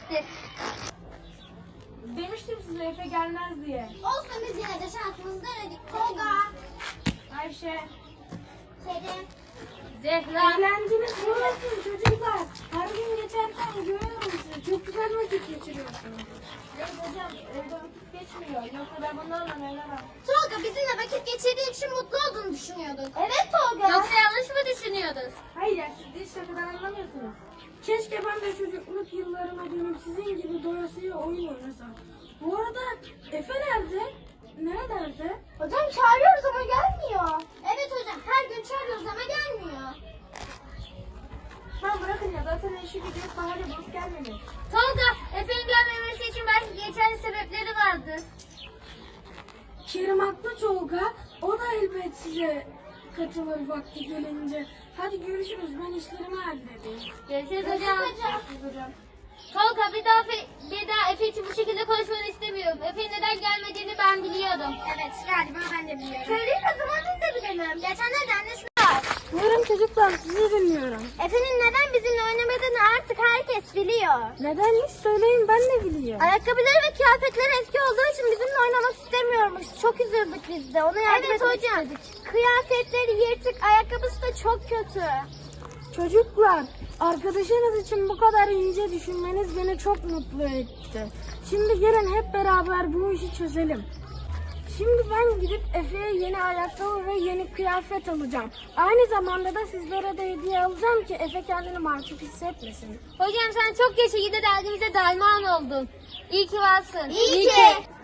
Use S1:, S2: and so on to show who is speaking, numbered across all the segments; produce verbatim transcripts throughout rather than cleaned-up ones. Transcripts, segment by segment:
S1: geçti.
S2: Demiştim size Efe gelmez diye.
S3: Olsun biz yine de şansımızı denedik. Tolga,
S2: Ayşe.
S3: Kerim.
S1: Zehra.
S2: Eğlenceniz burası çocuklar. Her gün geçerken görüyorum sizi. Çok güzel vakit geçiriyorsunuz. Evet hocam evde vakit geçmiyor. Yoksa ben bunlarla evlenemem.
S3: Tolga bizimle vakit geçirdiğin için mutlu olduğunu düşünüyorduk. Evet Tolga.
S1: Yoksa yanlış mı düşünüyordun?
S2: Hayır ya siz de hiç şakadan anlamıyorsunuz. Keşke ben de çocukluk yıllarıma dönüp sizin gibi doyasıya oyun oynasam. Bu arada Efe nerede? Nerelerde?
S3: Hocam çağırıyoruz ama gelmiyor. Evet hocam her gün çağırıyoruz ama gelmiyor.
S2: Tamam bırakın ya zaten işi gidiyor bahane bulup gelmedi.
S1: Tolga, Efe'nin gelmemesi için belki geçerli sebepleri vardı.
S2: Kerim haklı Tolga. O da elbet size katılır vakti gelince. Hadi görüşürüz ben işlerimi halledeyim.
S1: Görüşürüz hocam.
S2: Görüşürüz hocam.
S1: Tolga bir daha, Efe, bir daha Efe için bu şekilde konuşmanı istemiyorum. Efe'nin neden gelmediğini ben biliyordum.
S3: Evet galiba ben de biliyorum. Söyleyin o zaman biz de bilelim. Geçenlerde annesi var.
S2: Buyurun çocuklar sizi dinliyorum.
S3: Efe'nin neden bizimle oynamadığını artık herkes biliyor.
S2: Nedenmiş söyleyin ben de biliyorum.
S3: Ayakkabıları ve kıyafetleri eski olduğu için bizimle oynamak istemiyormuş. Çok üzüldük biz de. Ona yardım evet, etmek hocam. istedik. Kıyafetleri yırtık, ayakkabısı da çok kötü.
S2: Çocuklar, arkadaşınız için bu kadar ince düşünmeniz beni çok mutlu etti. Şimdi gelin hep beraber bu işi çözelim. Şimdi ben gidip Efe'ye yeni ayakkabı ve yeni kıyafet alacağım. Aynı zamanda da sizlere de hediye alacağım ki Efe kendini mahcup hissetmesin.
S1: Hocam sen çok geçe dergimize derman oldun. İyi ki varsın.
S3: İyi, ki.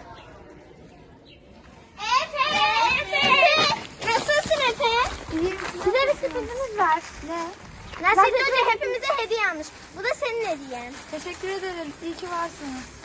S3: Efe! Efe! Nasılsın Efe? Size bir sürprizimiz var. Ne? Nasrettin Hoca hepimize hediye almış. Bu da senin hediyen.
S2: Teşekkür ederim. İyi ki varsınız.